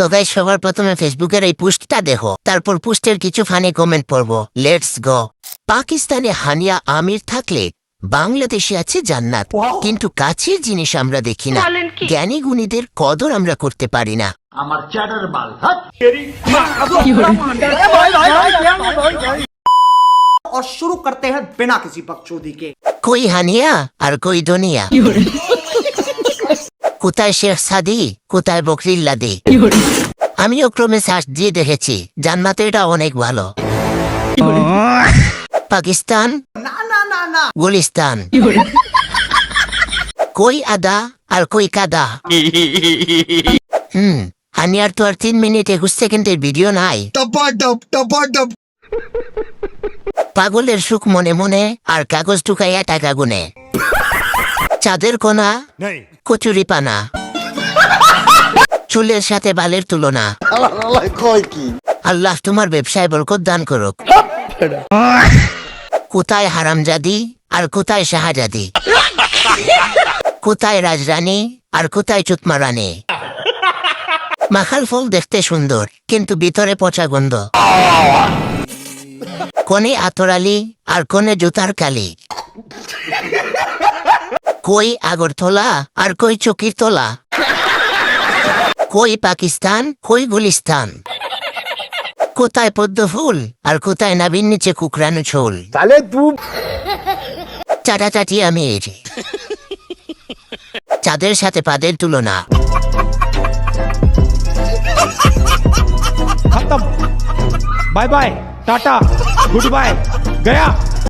তো গাইস সবার প্রথমে ফেসবুকের এই পোস্টটা দেখো, তারপর পোস্টের কিছু ফানি কমেন্ট পড়বো। Let's go. পাকিস্তানে হানিয়া আমির থাকলে বাংলাদেশে আছে জান্নাত, কিন্তু কাছের জিনিস আমরা দেখি না। জ্ঞানী গুণীদের কদর আমরা করতে পারি না। আমার চ্যাটার বাল और शुरू करते हैं बिना किसी बकचोदी के। কই হানিয়া আর কই দুনিয়া, কোথায় শেখ সাদি, কোথায় বকরিল্লাদি। আমিও ক্রমে সার্চ দিয়ে দেখেছি, জান্নাতে এটা অনেক ভালো। পাকিস্তান ना ना ना ना গুলিস্তান, কই আদা আর কই কাদা। হানিয়ার তো আর 3 মিনিট 21 সেকেন্ডের ভিডিও নাই। পাগলের সুখ মনে মনে, আর কাগজ টুকাইয়া টাকা গুনে। চাঁদের কোনা কচুরি পানা, চুলের সাথে বালের তুলনা। আল্লাহ তোমার ব্যবসায় বরকত দান করুক। কোথায় হারামজাদি আর কোথায় শাহজাদি, কোথায় রাজরানী আর কোথায় চুতমা রানী। মাখাল ফল দেখতে সুন্দর, কিন্তু ভিতরে পচা গন্ধ। কোনে আতরালি আর কোনে জুতার কালি, কই আগরতলা আর কই চকির তলা, কই পাকিস্তান কই গুলিস্তান, কোথায় পদ্ম ফুল আর কোথায় নাবির নিচে কুকরানো ছোল। চাটাচাটি আমির, চাঁদের সাথে পাদের তুলনা। खत्म, बाय बाय, टाटा, गुड बाय, गया।